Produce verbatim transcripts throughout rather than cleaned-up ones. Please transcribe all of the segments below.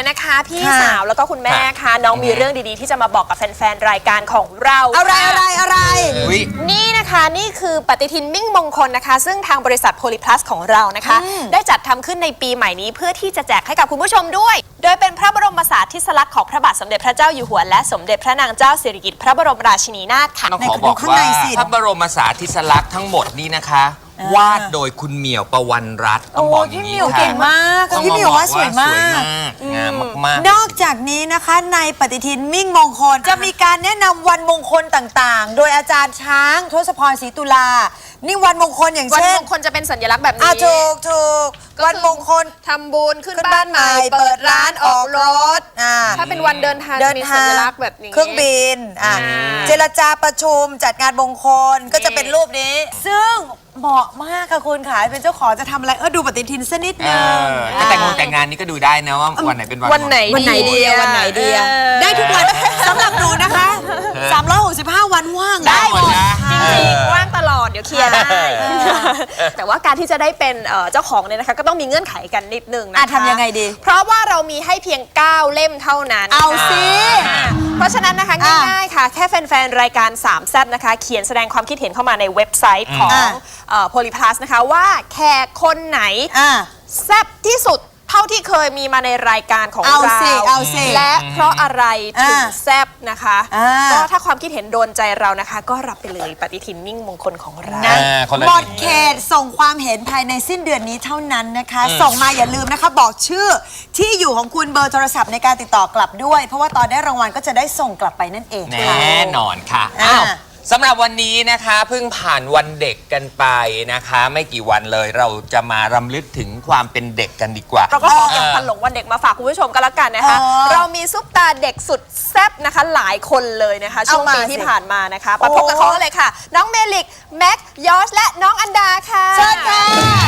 เลยนะคะพี่สาวแล้วก็คุณแม่ค่ะน้องมีเรื่องดีๆที่จะมาบอกกับแฟนๆรายการของเราอะไรอะไรอะไรนี่นะคะนี่คือปฏิทินมิ่งมงคลนะคะซึ่งทางบริษัทโพลีพลัสของเรานะคะได้จัดทำขึ้นในปีใหม่นี้เพื่อที่จะแจกให้กับคุณผู้ชมด้วยโดยเป็นพระบรมสารีริกลักษณ์ของพระบาทสมเด็จพระเจ้าอยู่หัวและสมเด็จพระนางเจ้าสิริกิติ์พระบรมราชินีนาถค่ะต้องขอบอกว่าพระบรมสารีริกลักษณ์ทั้งหมดนี้นะคะวาดโดยคุณเหมียวประวันรัตน์ต้องบอกอย่างนี้ค่ะเก่งมากพี่เหมียวว่าสวยมากงามมากนอกจากนี้นะคะในปฏิทินมิ่งมงคลจะมีการแนะนำวันมงคลต่างๆโดยอาจารย์ช้างทศพรศรีตุลานี่วันมงคลอย่างเช่นวันมงคลจะเป็นสัญลักษณ์แบบนี้ถูกถูกวันมงคลทำบุญขึ้นบ้านใหม่เปิดร้านออกรถถ้าเป็นวันเดินทางจะมีสัญลักษณ์แบบนี้เครื่องบินเจรจาประชุมจัดงานมงคลก็จะเป็นรูปนี้ซึ่งเหมาะมากค่ะคุณค่ะเป็นเจ้าของจะทำอะไรเออดูปฏิทินสักนิดนึงแต่งงานแต่งงานนี้ก็ดูได้นะว่าวันไหนเป็นวันวันไหนวันไหนดีวันไหนดีได้ทุกวันสำหรับหนูนะคะสามร้อยหกสิบห้าวันว่างได้หมดจริงๆว่างตลอดเดี๋ยวเคลียร์ได้แต่ว่าการที่จะได้เป็นเจ้าของเนี่ยนะคะก็ต้องมีเงื่อนไขกันนิดนึงนะคะทำยังไงดีเพราะว่าเรามีให้เพียงเก้าเล่มเท่านั้นเอาสิเพราะฉะนั้นนะคะง่ายๆค่ะแค่แฟนๆรายการสามแซ่บนะคะเขียนแสดงความคิดเห็นเข้ามาในเว็บไซต์ของโพลีพลัสนะคะว่าแขกคนไหนแซ่บที่สุดเท่าที่เคยมีมาในรายการของเราและเพราะอะไรถึงแซ่บนะคะก็ถ้าความคิดเห็นโดนใจเรานะคะก็รับไปเลยปฏิทินมิ่งมงคลของเราหมดเขตส่งความเห็นภายในสิ้นเดือนนี้เท่านั้นนะคะส่งมาอย่าลืมนะคะบอกชื่อที่อยู่ของคุณเบอร์โทรศัพท์ในการติดต่อกลับด้วยเพราะว่าตอนได้รางวัลก็จะได้ส่งกลับไปนั่นเองแน่นอนค่ะอ้าวสำหรับวันนี้นะคะเพิ่งผ่านวันเด็กกันไปนะคะไม่กี่วันเลยเราจะมารำลึกถึงความเป็นเด็กกันดีกว่าเราก็ขอเก็บพันหลงวันเด็กมาฝากคุณผู้ชมกันละกันนะคะเรามีซุปตาเด็กสุดแซ่บนะคะหลายคนเลยนะคะช่วงปีที่ผ่านมานะคะมาพบกับเขาเลยค่ะน้องเมลิกแม็กยอชและน้องอันดาค่ะเชิญค่ะ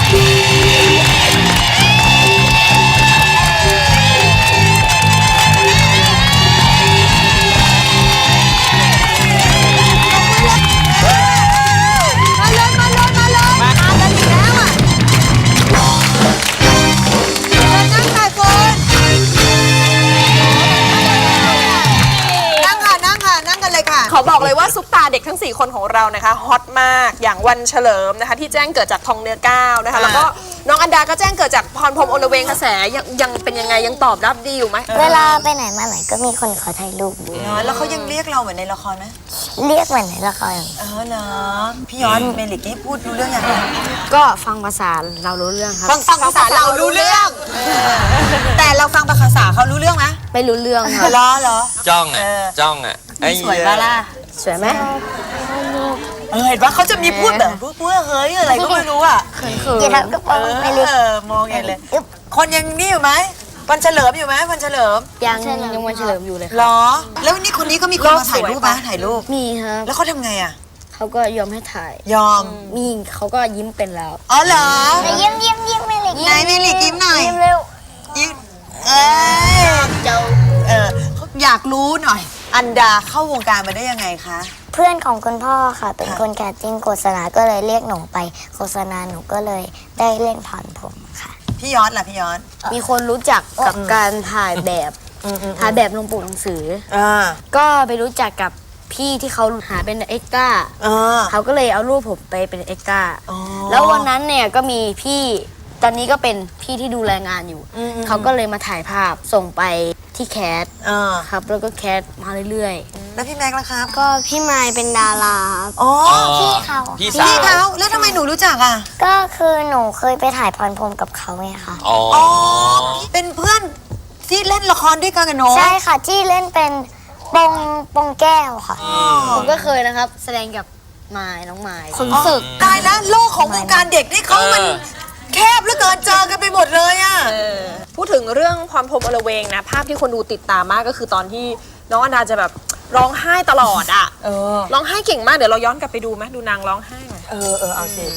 ขอบอกเลยว่าซุปตาเด็กทั้งสี่คนของเรานะคะฮอตมากอย่างวันเฉลิมนะคะที่แจ้งเกิดจากทองเนื้อก้าวนะคะแล้วก็น้องอันดาก็แจ้งเกิดจากพรพรหมอลเวงกระแสยังยังเป็นยังไงยังตอบรับดีอยู่ไหมเวลาไปไหนมาไหนก็มีคนขอถ่ายรูปดูแล้วเขายังเรียกเราเหมือนในละครไหมเรียกเหมือนในละครเออเหรอพี่ย้อนเมลิกนี่พูดรู้เรื่องยังก็ฟังภาษาเรารู้เรื่องครับฟังฟังภาษาเรารู้เรื่องแต่เราฟังภาษาเขารู้เรื่องไหมไม่รู้เรื่องครับล้อเหรอจ้องอ่ะจ้องอ่ะสวยบ้าล่ะสวยไหมเออเห็นว่าเขาจะมีพูดแบบพูดพูดเฮ้ยอะไรก็ไม่รู้อ่ะเขินๆอย่าทำก็ปองไปเลยมองเห็นเลยคนยังนี่อยู่ไหมวันเฉลิมอยู่ไหมวันเฉลิมยังยังวันเฉลิมอยู่เลยหรอแล้วนี่คนนี้ก็มีคนมาถ่ายรูปไหมถ่ายรูปมีครับแล้วเขาทำไงอ่ะเขาก็ยอมให้ถ่ายยอมมีเขาก็ยิ้มเป็นแล้วอ๋อเหรอยิ้มยิ้มยิ้มไม่เลยไหนไม่เลยยิ้มหน่อยยิ้มเร็วยิ้มเออเจ้าเอออยากรู้หน่อยอันดาเข้าวงการมาได้ยังไงคะเพื่อนของคุณพ่อค่ะเป็นคนแคสติ้งโฆษณาก็เลยเรียกหนูไปโฆษณาหนูก็เลยได้เล่นผ่อนผมค่ะพี่ย้อนล่ะพี่ย้อนมีคนรู้จักกับการถ่ายแบบถ่ายแบบลงปกหนังสือก็ไปรู้จักกับพี่ที่เขาหาเป็นเอ็กซ์ต้าเขาก็เลยเอารูปผมไปเป็นเอ็กซ์ต้าแล้ววันนั้นเนี่ยก็มีพี่ตอนนี้ก็เป็นพี่ที่ดูแลงานอยู่เขาก็เลยมาถ่ายภาพส่งไปที่แคสครับแล้วก็แคสมาเรื่อยๆแล้วพี่แม็กซ์ล่ะครับก็พี่ไมค์เป็นดาราอ๋อพี่เขาพี่เขาแล้วทำไมหนูรู้จักอ่ะก็คือหนูเคยไปถ่ายพรพรหมกับเขาไงค่ะอ๋อเป็นเพื่อนที่เล่นละครด้วยกันกันเนาะใช่ค่ะที่เล่นเป็นปงปงแก้วค่ะผมก็เคยนะครับแสดงกับไม้น้องไม้คนฝึกตายแล้วโลกของวงการเด็กนี่เขามันแคบเหลือเกินเจอกันไปหมดเลยอ่ะพูดถึงเรื่องพรพรหมอลเวงนะภาพที่คนดูติดตามมากก็คือตอนที่น้องอันดาจะแบบร้องไห้ตลอดอ่ะร้องไห้เก่งมากเดี๋ยวเราย้อนกลับไปดูไหมดูนางร้องไห้หน่อยเออเออเอาสิ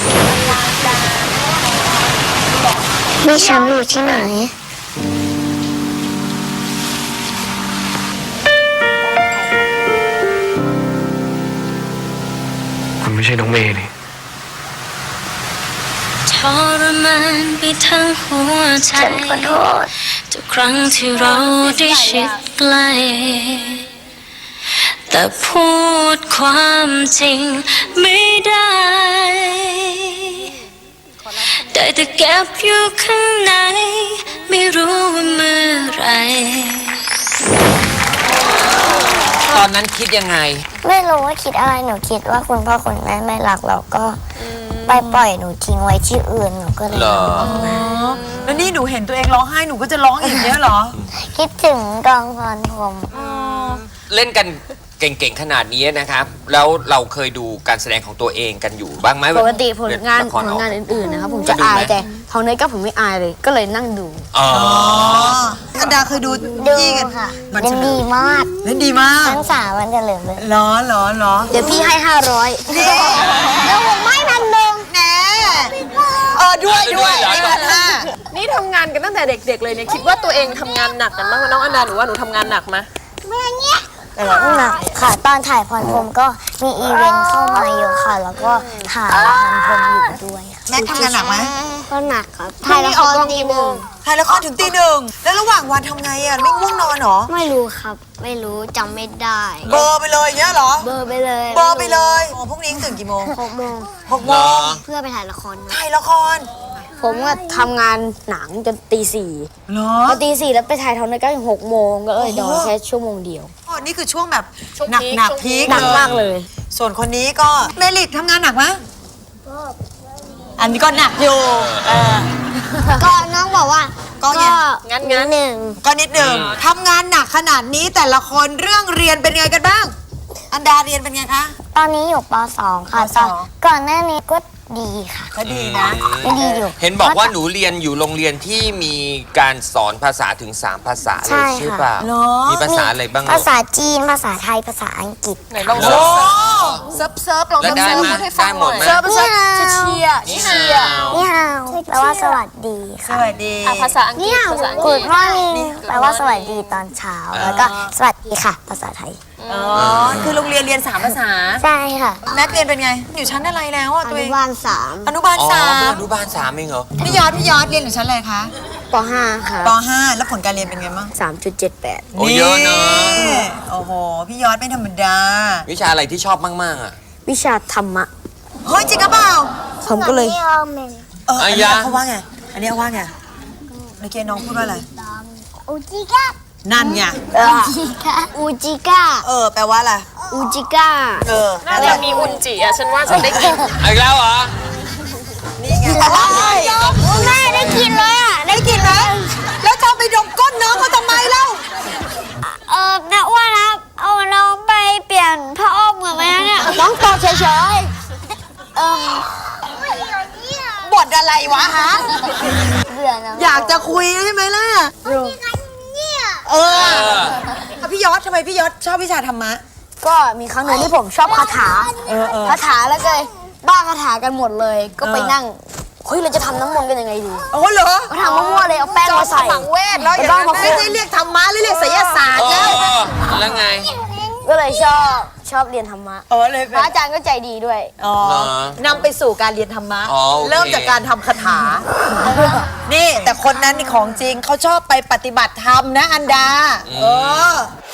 มีฉันอยู่ที่ไหนคุณไม่ใช่น้องเมย์นี่ใช่รมานไปทั้งหัวใจทุกครั้งที่เราได้ชิดใกล้แต่พูดความจริงไม่ได้ได้แต่เก็บอยู่ข้างในไม่รู้ว่าเมื่อไหรตอนนั้นคิดยังไงไม่รู้ว่าคิดอะไรหนูคิดว่าคุณพ่อคุณแม่ไม่รักเราก็ไปปล่อยหนูทิ้งไว้ที่อื่นหนูก็เลยเหรอร้องไห้แล้วนี่หนูเห็นตัวเองร้องไห้หนูก็จะร้องอีกเนี้ยเหรอคิดถึงกองพรพรหมเล่นกันเก่งๆขนาดนี้นะครับ แล้วเราเคยดูการแสดงของตัวเองกันอยู่บ้างไหมปกติผลงานละคผรลออกงานอื่นๆนะครับผมจะจะดูไหมอายแต่ทองเนยก็ผมไม่อายเลย ก็เลยนั่งดูอ๋ออันดาเคยดูดูพี่กันค่ะมันเล่นดีมากเล่นดีมากทั้งสามวันจะเหลือเลยเหรอเหรอเหรอเดี๋ยวพี่ให้ห้าร้อยแล้วผมไม่พันหนึ่งแหนเออด้วยด้วยด้วยเหรอนี่พันห้านี่ทำงานกันตั้งแต่เด็ก ๆ เลยเนี่ยคิดว่าตัวเองทำงานหนักกันบ้างไหมน้องอันดาหนูว่าหนูทำงานหนักไหมหนักค่ะ ตอนถ่ายพรพรหมก็มีอีเวนต์เข้ามาเยอะค่ะ แล้วก็ถ่ายพรพรหมอยู่ด้วยค่ะแม็กทำงานหนักไหมก็หนักครับถ่ายละครตีหนึ่งถ่ายละครถึงตีหนึ่งแล้วระหว่างวันทำไงอ่ะไม่ง่วงนอนเหรอไม่รู้ครับ ไม่รู้จำไม่ได้เบอร์ไปเลยอย่างเงี้ยเหรอเบอร์ไปเลยเบอร์ไปเลยโอ้พรุ่งนี้ตื่นกี่โมงหกโมงหกโมงเพื่อไปถ่ายละครมาถ่ายละครผมก็ทำงานหนังจนตีสี่เหรอพอตีสี่แล้วไปถ่ายทองเนยก็ถึงหกโมงก็เลยนอนแค่ชั่วโมงเดียวอ๋อนี่คือช่วงแบบช่วงหนักพีคหนักช่วงพีคหนักมากเลยส่วนคนนี้ก็เมลิกทำงานหนักไหมอันนี้ก็หนักอยู่เออก็น้องบอกว่าก็ไงงั้นงั้นหนึ่งก็นิดหนึ่งทำงานหนักขนาดนี้แต่ละคนเรื่องเรียนเป็นไงกันบ้าง อันดาเรียนเป็นไงคะตอนนี้อยู่ป สอง ค่ะปสตออง นก่อนหน้านี้ก็ดีค่ะก็ดีนะก็ดีอยู่เห็นบอกว่าหนูเรียนอยู่โรงเรียนที่มีการสอนภาษาถึง 3 ภาษาเลใช่ยค่ะใช่เปล่าเหรอมีภาษาอะไรบ้างลูกภาษาจีน ภาษาไทย ภาษาอังกฤษไหนลองโอ้เซิร์ฟเซิร์ฟเซิร์ฟลองแล้วทำได้เซิร์ฟไหมพูดให้ฟัได้งหหมน่ดอยไหมเซิร์ฟภาษาเชียร์นี่เชียร์นี่ฮาวแปลว่าสวัสดีสค่ะวัสดีอ่ะภาษาอังกฤนี่ษฮาวภาษาอังกกูฤดษมอร์นิ่งแปลว่าสวัสดีตอนเช้า แล้วก็สวัสดีค่ะ ภาษาไทยอ๋อ คือโรงเรียนเรียนสามภาษาใช่ค่ะแม็กเรียนเป็นไง อยู่ชั้นอะไรแล้วอ่ะอตัวเอนุงบาลสามอนุบาลอ๋อสามอนุบาลสามเองเหรอพี่ยอดพี่ยอดเรียนอยู่ชั้นอะไรคะปห้าครับปห้าแล้วผลการเรียนเป็นไงบ้างสามจุดเจ็ดแปดโอ้เยอะเนอะโอ้โห พี่ยอดไม่ธรรมดาวิชาอะไรที่ชอบมาก ๆ อ่ะวิชาธรรมะเฮ้ยจริงหรือเปล่าผมก็เลยเอออันนี้อ่ะยะเขาว่าไง อันนี้เขาว่าไงเมื่อกี้น้องพูดว่าอะไรอูจิกะนั่นไงอูจิกะอูจิกะเออ แปลว่าอะไรอูจิกะเออน่าจะมีอุนจิอ่ะฉันว่าฉันได้กินอีกแล้วเหรอนี่ไงแม่ได้กินเลยอ่ะได้กินไหมแล้วจะเอาไปดมก้นน้องเขาทำไมเล่าเออนะอ้วนครับ เอาน้องไปเปลี่ยนผ้าอ้อมเหมือนไหมเนี่ยน้องตอบเฉยเออบทอะไรวะฮะเบื่อนะอยากจะคุยใช่ไหมล่ะ เออเอาพี่ยอดทำไมพี่ยอดชอบวิชาธรรมะๆ ก็มีครั้งหนึ่งที่ผมชอบคาถาเออเออคาถาแล้วก็เลยบ้าคาถากันหมดเลย ก็ไปเออนั่ง เฮ้ย เราจะทำน้ำมนต์กันยังไงดีโอ้เหรอก็ทำมั่วๆเลย เอาแป้งมาใส่ฝังเวทแล้วอย่างบ้านั้นมาไม่ได้เรียกธรรมะหรือเรียกไสยศาสตร์โอ้แล้วแล้วไงก็เลยชอบชอบเรียนธรรมะเออเลยพระอาจารย์ก็ใจดีด้วยอ๋อเหรอนำไปสู่การเรียนธรรมะอ๋อโอเคเริ่มจากการทำคาถา นี่แต่คนนั้นนี่ของจริงเขาชอบไปปฏิบัติธรรมนะอันดา เออ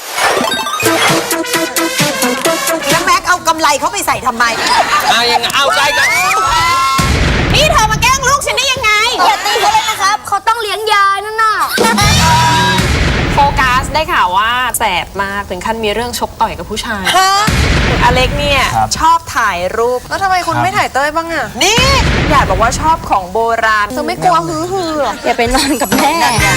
แล้วแม็กเอากำไรเขาไปใส่ทำไมเอายังไงเอาใจกันนี่เธอมาแกล้งลูกฉันได้ยังไงอย่าตีเขาเลยนะครับ เขาต้องเลี้ยงยายนั่นน่ะโฟกัสได้ข่าวว่าแสบมากถึงขั้นมีเรื่องชกต่อยกับผู้ชายฮะอเล็กเนี่ยชอบถ่ายรูป แล้วทำไมคุณไม่ถ่ายเต้ยบ้างอะนี่อยากบอกว่าชอบของโบราณเธอไม่กลัวฮือฮือหรออย่าไปนอนกับแม่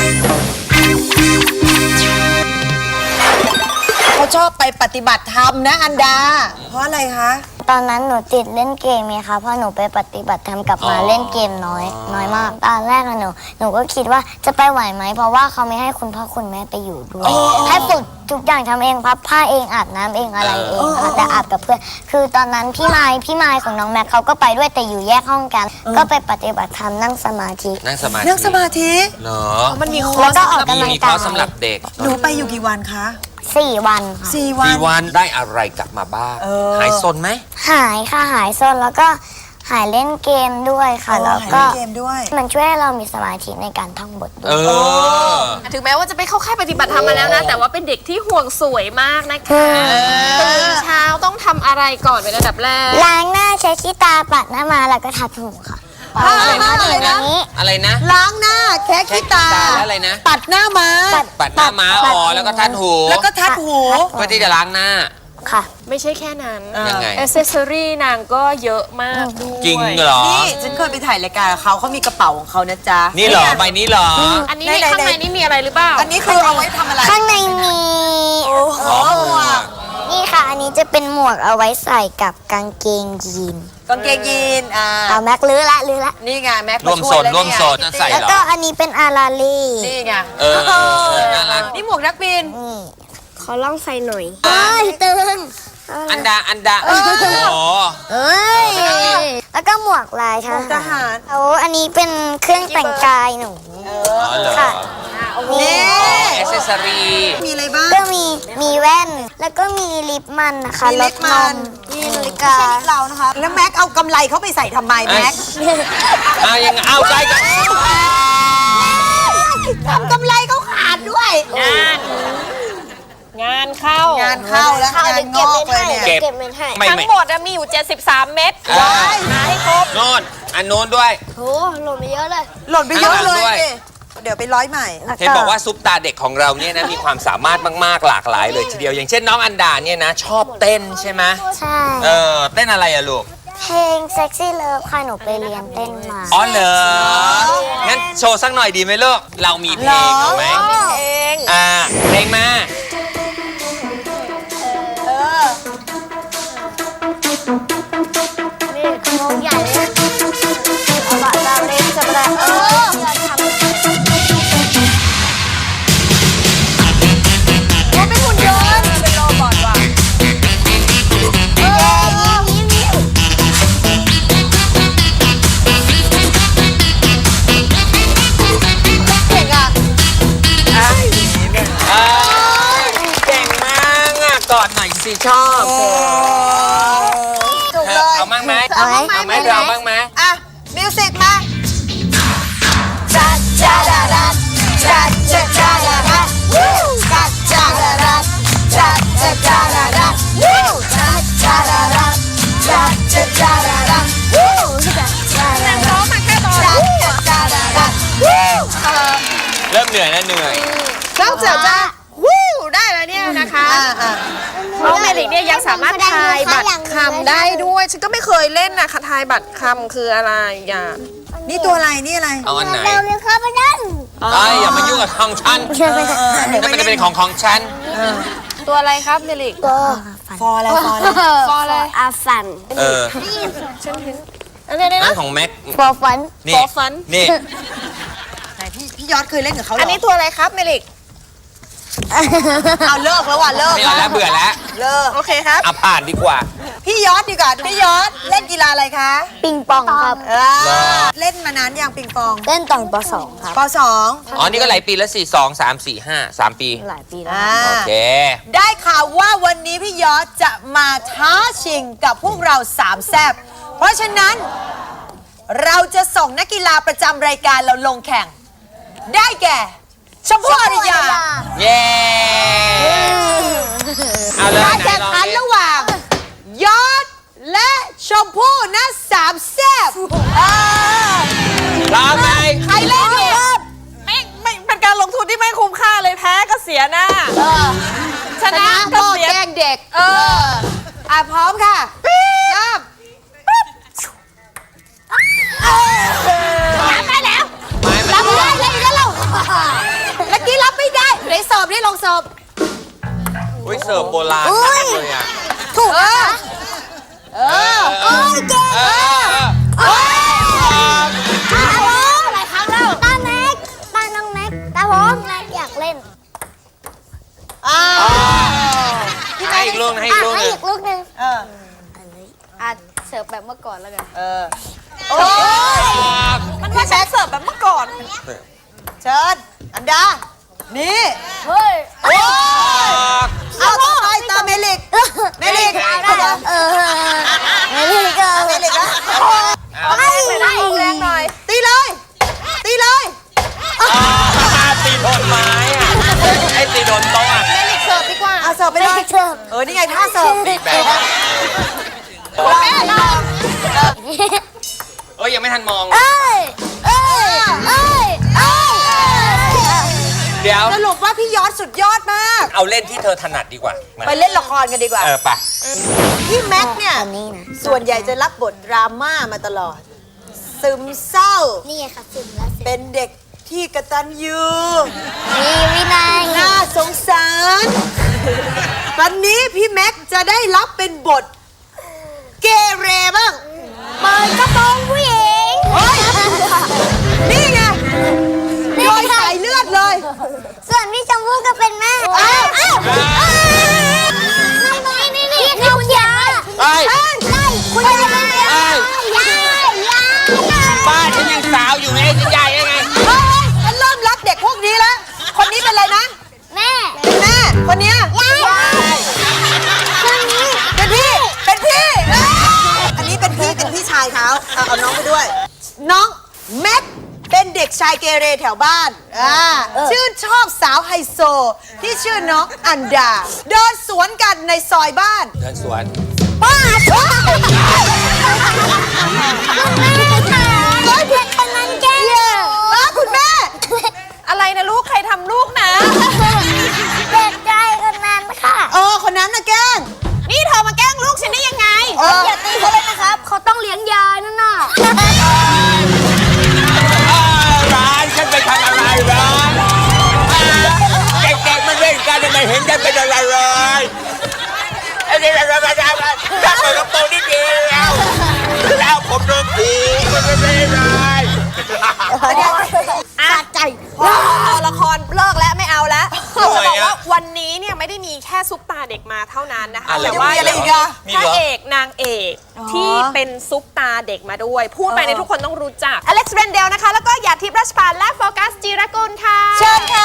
เขาชอบไปปฏิบัติธรรมนะอันดา เพราะอะไรคะตอนนั้นหนูติดเล่นเกมไงคะเพราะหนูไปปฏิบัติธรรมกลับมาเล่นเกมน้อย น้อยมาก ตอนแรกอะหนูหนูก็คิดว่าจะไปไหวไหม เพราะว่าเขาไม่ให้คุณพ่อคุณแม่ไปอยู่ด้วย ให้ฝึกทุกอย่างทำเองพับผ้าเองอาบน้ำเองอะไรเองค่ะแต่อาบกับเพื่อน คือตอนนั้นพี่ไม้พี่ไม้ของน้องแม็กเขาก็ไปด้วยแต่อยู่แยกห้องกัน ก็ไปปฏิบัติธรรมนั่งสมาธินั่งสมาธิเรื่องสมาธิเหรอมันมีคอแล้ร์วสก็ออกมีกำลังมีคกาอย ร์สสำหรับเด็กหนูไปอยู่กี่วันคะสี่วันค่ะสี่วันสี่วันได้อะไรกลับมาบ้างเออหายซนไหมหายค่ะหายโซนแล้วก็หายเล่นเกมด้วยค่ะอ๋อแล้วหายก็เล่นเกมด้วยมันช่วยให้เรามีสมาธิในการท่องบทด้เอวยอถึงแม้ว่าจะไปเข้าค่ายปฏิบัติธรรมมาแล้วนะ แต่ว่าเป็นเด็กที่ห่วงสวยมากนะคะตื่นเช้าต้องทำอะไรก่อนเป็นระดับแรกล้างหน้าใช้ขี้ตาปัดหน้ามาแล้วก็ทัดหูค่ะอะไรนะออะไรย่างนะนี้อะไรนะล้างหน้าแค่ขี้ตาแค่ขี้ตาแล้วอะไรนะปัดหน้ามาปัดหน้าม้าอ๋อแล้วก็ทัดหูแล้วก็ทัดหูเพื่อที่จะล้างหน้าค่ะไม่ใช่แค่นั้นยังไงอ c เซสซอรี่นางก็เยอะมากด้วยจริงเหรอนี่ฉันเคยไปถ่ายรายการกับเขาเขามีกระเป๋าของเขานะจ๊ะนี่เหรอใบนี้เหรออันนี้ไหนๆข้างในนี่มีอะไรหรือเปล่าอันนี้คือเอาไว้ทำอะไรข้างในมีอ๋อหมวกนี่ค่ะ อันนี้จะเป็นหมวกเอาไว้ใส่กับกางเกงยีนกางเกงยีนอ่าเอาแม็กลื้อละลื้อละนี่ไงแม็กร่วมาโซช่วยนแล้วร่วมเนี่ยโซนจะใส่แล้วเหรอก็อันนี้เป็นอาราลีนี่ไงเออเออน่ารักนี่หมวกนักบินนี่ขอลองใส่หน่อยเอ้ยตึงอันดาอันดาโอ้โหเอ้ยแล้วก็หมวกลายททหารหารเอาอันนี้เป็นเครื่องแต่งกายหนูอ๋อเหรอค่ะนี่แอคเซสซอรีมีอะไรบ้างก็มีมีแว่นแล้วก็มีลิปมันนะคะมีลิปมันมีนาฬิกาเรานะคะ แล้วแม็กเอากำไรเขาไปใส่ทำไมแม็กเอายังไงเอาใจกันทำกำไรเขาขาดด้วยงาน งานเข้างานเข้าแล้วงานงอกเลยเนี่ยเก็บเก็บเงินให้ไม่ทั้งไม่หมดอะมีอยู่ เจ็ดสิบสาม เม็ดว้ายหาให้ครบโน่นอันโน้นด้วยโหหล่นไปเยอะเลยหล่นไปเยอะเลยข้างหลังด้วยดิเดี๋ยวไปร้อยใหม่เห็นบอกว่าซุปตาเด็กของเราเนี่ยนะมีความสามารถมากๆหลากหลายเลยทีเดียว อย่างเช่นน้องอันดาเนี่ยนะ ชอบเต้นใช่ไหมใช่เออเต้นอะไรอะลูกเพลง Sexy Love ค่ะหนูไปเรียนเต้นมาอ๋อเหรองั้นโชว์สักหน่อยดีไหมลูกเรามีเพลงเอาไหมเองอ่าเพลงมานี่ขโมยใหญ่เลยเอาบะดาวเล่นจะไปได้เอออย่าทำเป็นหุ่นยนต์เป็นโรบอทว่ะเออยิ้มยิ้มยิ้มเก่งอ่ะอ่าเก่งมากอ่ะกอดหน่อยสิชอบถูกเลยเอามั่งไหมเอาไหมเอาไหมเธอเอามั่งไหมอ่ะ มิวสิกมาจัดจ้าดาดัดจัดจ้าดาดัดวู้จัดจ้าดาดัดจัดจ้าดาดัดวู้จัดจ้าดาดัดจัดจ้าดาดัดวู้จัดจ้าดาดัดร้องมาแค่ตอนจัดจ้าดาดัดวู้เริ่มเหนื่อยแล้วเหนื่อยนอกจากจะวู้ได้แล้วเนี่ยนะคะอ่าอ่าน้องเมลิกเนี่ยยังสามารถทายบัตรคำได้ด้วย ฉันก็ไม่เคยเล่นนะค่ะทายบัตรคำคืออะไรอย่านี่ตัวอะไร นี่อะไรเอาอันไหนเราเรียนเข้าไปนั่นไอ้ยอย่ามายุ่งกับของฉันเชื่อไหมนั่นมันจะเป็นของของฉันตัวอะไรครับเมลิกก็ฟออะไรฟออะไรฟออะไรอาฟันเอออันนี้นั่นะนของแม็กฟอฟันนี่ฟอฟันนี่ไหนพี่พี่ยอดเคยเล่นกับเขาเหรออัอันนี้ตัวอะไรครับเมลิกเอาเลิกแล้วว่ะเลิกไม่เอาแล้วเบื่อแล้วเลิกโอเคครับเอาผ่านดีกว่าพี่ยอดดีกว่าพี่ยอดเล่นกีฬาอะไรคะปิงปองครับเออเล่นมานานยังปิงปองเล่นตอนปสองครับปสองอ๋อ นี่ก็หลายปีแล้วสี่สองสามสี่ห้าสามปีหลายปีแล้วอ่าโอเคได้ข่าวว่าวันนี้พี่ยอดจะมาท้าชิงกับพวกเราสามแซบเพราะฉะนั้น เราจะส่งนักกีฬาประจำรายการเราลงแข่ง ได้แก่ชมพู่อริยาเย้ เอาเลยการไหนแข่งลองขันดิระหว่าง ยอดและชมพู่นะสามแซบเออพร้อมไหมใครเล่นดีไม่ไม่เป็นการลงทุนที่ไม่คุ้มค่าเลยแพ้ก็เสียหน้า ชชนะนะก็ก็เสียแกล้งเด็กเอออ่ะพร้อมค่ะเริ่มรับได้แล้วไม่มันรับได้เลยแล้วเราเมื่อกี้รับไม่ได้ไหนสอบนี่ลองสอบอุ้ยเสิร์ฟโบราณอุ้มาย กเลยอ่ะถูกนะเออเออเออโอ้หลายครั้งแล้วตาแม็กตาน้องแม็กตาผมแม็กอยากเล่นอ่าให้อีกลูกนะให้อีอ่ะกลูกหให้นึงอีกลูกหนึ่งเอออ่ะเสิร์ฟแบบเมื่อก่อนแล้วกันเออโอ้ยมันไม่ใช่เสิร์ฟแบบเมื่อก่อนเชิญอันดา นี่เฮ้ยโอ้ยเอาต่อไปตามเมลิก เมลิกเอาได้เหรอเออไม่ได้ก็เมลิกนะเออ นี่ไงท่าเสิร์ฟแบบแม่ลองเอ้ยยังไม่ทันมองเอ้ยเอ้ยเอ้ยเอ้ยเดี๋ยวสรุปว่าพี่ยอดสุดยอดมากเอาเล่นที่เธอถนัดดีกว่ามาไปเล่นละครกันดีกว่าเออไปพี่แม็กซ์เนี่ยอันนี้นะส่วนใหญ่จะรับบทดราม่ามาตลอด ซึมเศร้านี่ไงค่ะซึมแล้วซึมเป็นเด็กที่กตัญญูมีวินัยน่าสงสาร วันนี้พี่แม็กซ์จะได้รับเป็นบท เกเรบ้างเปิดกระโปรงผู้หญิงเฮ้ย นี่ไงโดยสายเลือดเลยส่วนพี่ชมพู่ก็เป็นแม่อ้าวอ้าวนี่นี่นี่นี่คุณยายเอ้ยไล่คุณยายยายยายยายบ้านฉันยังสาวอยู่ไงจะใหญ่ยังไงเฮ้ยฉันเริ่มรักเด็กพวกนี้แล้ว คนนี้เป็นอะไรนะแม่เป็นแม่ คนเนี้ยยายคนนี้เป็นพี่ เป็นพี่ อันนี้เป็นพี่ เป็นพี่ชายเขาเอาเอาน้องไปด้วย น้องแม็กเป็นเด็กชายเกเรแถวบ้าน อ่า ชื่นชอบสาวไฮโซ ที่ชื่อน้องอันดา เดินสวนกันในซอยบ้านเดินสวนป้าดแม่ค่ะเด็กคนนั้นแกล้งป้าคุณแม่อะไรนะลูกใครทำลูกนะเด็กใจคนนั้นค่ะเออ คนนั้นนะแกล้งนี่เธอมาแกล้งลูกฉันได้ยังไงเอออย่าตีเขาเลยนะครับ เขาต้องเลี้ยงยายนั่นน่ะร้านฉันไปทำอะไรร้านเด็กๆมันเล่นกันทำไมเห็นฉันเป็นอะไรเลยไอ้นี่อะไรอะไรอะไรถ้าเปิดกระโปรงนิดเดียวแล้วผมโดนผีมันไม่ได้เลยอ่ะใจละครเลิกแล้วไม่เอาแล้วจะบอกว่าวันนี้เนี่ยไม่ได้มีแค่ซุปตาเด็กมาเท่านั้นนะคะอะไรแต่ว่ามีอะไรอีกอะพระเอกนางเอกที่เป็นซุปตาเด็กมาด้วย พูดไปในยทุกคนต้องรู้จักอเล็กซ์เรนเดลนะคะ แล้วก็หยาดทิพย์ราชปานและโฟกัสจิรกุลค่ะเชิญค่ะ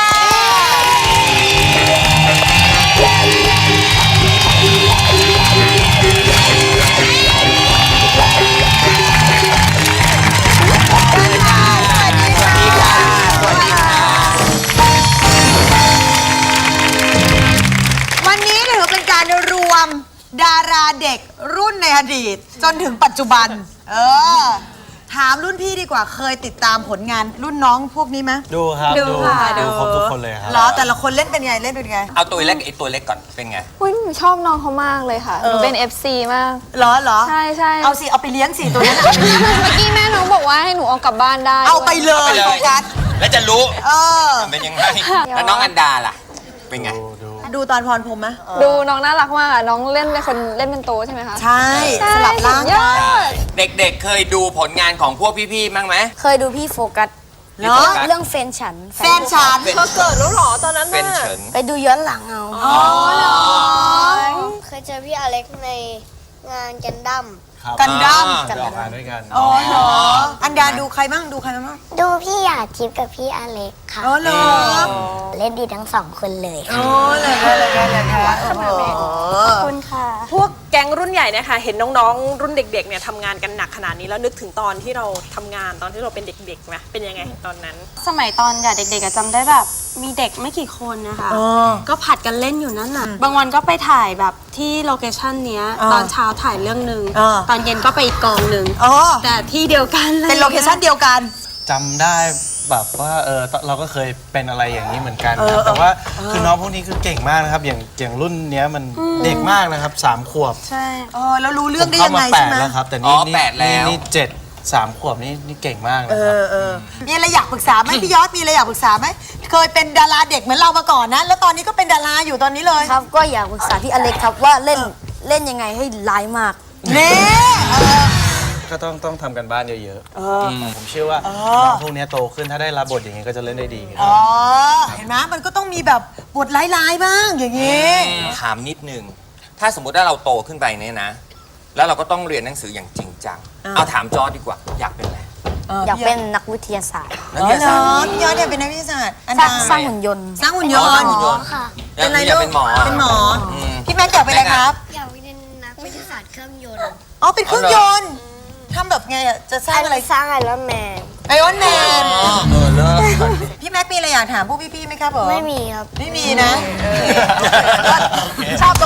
วันนี้ถือเป็นการรวมดาราเด็กรุ่นในอดีต จนถึงปัจจุบัน เออ ถามรุ่นพี่ดีกว่าเคยติดตามผลงานรุ่นน้องพวกนี้ไหมดูครับดูค่ะดูดูครบทุกคนเลยครับเหรอ แต่ละคนเล่นเป็นไง เล่นเป็นไงเอาตัวเล็กไอ้ตัวเล็กก่อนเป็นไงอุ้ยหนูชอบน้องเขามากเลยค่ะ หนูเป็น เอฟ ซี มากเหรอเหรอใช่ใช่เอาสิ เอาไปเลี้ยงสิตัวนั้นเมื่อกี้แม่น้องบอกว่าให้หนูเอากลับบ้านได้เอาไปด้วยเลยเอาไปเลยโฟกัสแล้วจะรู้เออมันเป็นยังไงแล้วน้องอันดาล่ะเป็นไงดูดูดูตอนพรพรหมไหมดูน้องน่ารักมากอะน้องเล่นเป็นคนเล่นเป็นโตใช่ไหมคะใช่ สลับร่างสุดยอกันดเด็กๆเคยดูผลงานของพวกพี่ๆมั้งไหมเคยดูพี่โฟกัสเนาะเรื่องแฟนฉันแฟนฉันเธอเกิดแล้วเหรอตอนนั้นเป็นน่ะเฉินไปดูย้อนหลังเอาอ๋อเหรอเคยเจอพี่อเล็กในงานกันดั้มครับกันดั้มไปออกงานด้วยกันอ๋อเหรอ อันดาดูใครบ้างดูใครบ้างดูพี่หยาดทิพย์กับพี่อเล็กค่ะอ๋อเหรอเล่นดีทั้งสองคนเลยอ๋อเลยเลยเลยเลยเลยโอ้โหขอบคุณค่ะพวกแก๊งรุ่นใหญ่เนี่ยค่ะเห็นน้องๆ รุ่นเด็กๆเนี่ยทำงานกันหนักขนาดนี้แล้วนึกถึงตอนที่เราทำงานตอนที่เราเป็นเด็กๆไหมเป็นยังไงตอนนั้นสมัยตอนเด็กๆอะจำได้แบบมีเด็กไม่กี่คนนะคะอ๋อก็ผัดกันเล่นอยู่นั่นน่ะ บางวันก็ไปถ่ายแบบที่โลเคชั่นเนี้ยอ่าตอนเช้าถ่ายเรื่องหนึ่งอ่าตอนเย็นก็ไปอีกกองหนึ่งอ๋อแต่ที่เดียวกันเลยเป็นโลเคชั่นเดียวกันจำได้แบบว่าเออเราก็เคยเป็นอะไรอย่างนี้เหมือนกันเออนะแต่ว่าคือน้องพวกนี้คือเก่งมากนะครับ อย่างอย่างรุ่นเนี้ยมันเด็กมากนะครับสามขวบใช่เออแล้วรู้เรื่องได้ผมยังไงเข้ามาแปใช่ดไหมแล้วครับ แต่อ๋นี่อนี่แปดแล้วนี่เจ็ดสามขวบนี่นี่เก่งมากนะเอครับอเออมีอะไรอยากปรึกษาไหมพี่ยอดมีอะไรอยากปรึกษาไหมเคยเป็นดาราเด็กเหมือนเรามาก่อนนะ แล้วตอนนี้ก็เป็นดาราอยู่ตอนนี้เลยครับ ก็อยากปรึกษาพี่อเล็กครับว่าเล่นเล่นยังไงให้ร้ายมากเน่เออก็ต้องต้องทำกันบ้านเยอะๆผมเชื่อว่าน้องพวกเนี้ยโตขึ้นถ้าได้รับบทอย่างนี้ก็จะเล่นได้ดีครับอ๋อ เห็นไหมมันก็ต้องมีแบบบทร้ายๆบ้างอย่างนี้ถามนิดนึง ถ้าสมมุติว่าเราโตขึ้นไปเนี่ยนะ แล้วเราก็ต้องเรียนหนังสืออย่างจริงจัง เอาถามจอร์จดีกว่า อยากเป็นอะไรอยากเป็นนักวิทยาศาสตร์นักอ๋อวิทเหรยาอศาสตร์พี่ยอดเนี่ยเป็นนักวิทยาศาสตร์อันสร้าดางสร้างหุ่นยนต์สร้างหุ่นยอ๋อน สร้างต์หุ่นยนต์ค่ะอยากเป็นอะไรอยากลูกเป็นหมอเป็นหมออืมพี่แม็กซ์อยากเป็นอะไรครับอยากเป็นนักวิทยาศาสตร์เครื่องยนต์อ๋อ เป็นเครื่องยนต์ทำแบบไงอ่ะ จะสร้างอะไรสร้างไอรอนแมนไอออนแมนอ๋อเออเลิกพี่แม็กซ์มีอะไรอยากถามพวกพี่ๆไหมครับผมไม่มีครับไม่มีนะชอบตรงนี้แหละ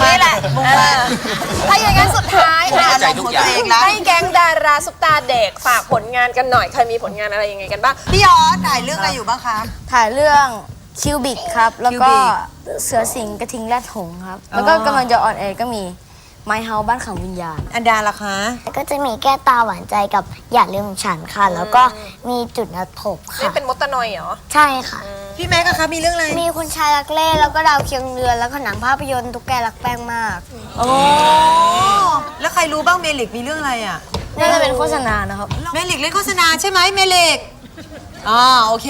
ถ้าอย่างนั้นสุดท้ายผมเข้าใจทุกอย่างให้แก๊งดาราซุปตาเด็กฝากผลงานกันหน่อยใครมีผลงานอะไรยังไงกันบ้างพี่ยอดถ่ายเรื่องอะไรอยู่บ้างคะถ่ายเรื่องคิวบิกครับ แล้วก็ Cubic เสือสิงห์กระทิงแรดหงส์ครับ แล้วก็กำลังจะออนแอร์ก็มีไมเฮาบ้านขังวิญญาณอันดาล่ะคะก็จะมีแก้ตาหวานใจกับอย่าลืมฉันค่ะ แล้วก็มีจุดนัดพบนี่ค่ะเป็นมดตะนอยเหรอใช่ค่ะพี่แม็กอะคะมีเรื่องอะไรมีคุณชายรักเล่แล้วก็ดาวเคียงเรือนแล้วก็หนังภาพยนตร์ตุ๊กแกรักแป้งมากโอ้แล้วใครรู้บ้างเมลิกมีเรื่องอะไรอ่ะน่าจะเป็นโฆษณานะครับเมลิกเล่นโฆษณาใช่ไหมเมลิกอ๋อโอเค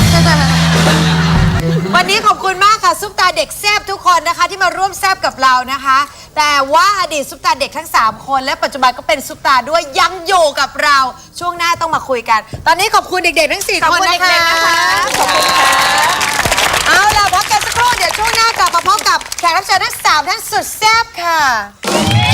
วันนี้ขอบคุณมากค่ะซุปตาเด็กแซบทุกคนนะคะ ที่มาร่วมแซบกับเรานะคะ แต่ว่าอดีตซุปตาเด็กทั้งสามคนและปัจจุบันก็เป็นซุปตาด้วยยังอยู่กับเราช่วงหน้าต้องมาคุยกัน ตอนนี้ขอบคุณเด็กๆทั้งสี่ขอบคนคุณนะคะเด็กๆนะคะขอบคุณค่ะเอาล่ะพักกันสักครู่เดี๋ยวช่วงหน้ากลับมาพบกับแขกรับเชิญทั้งสามท่านสุดแซบค่ะ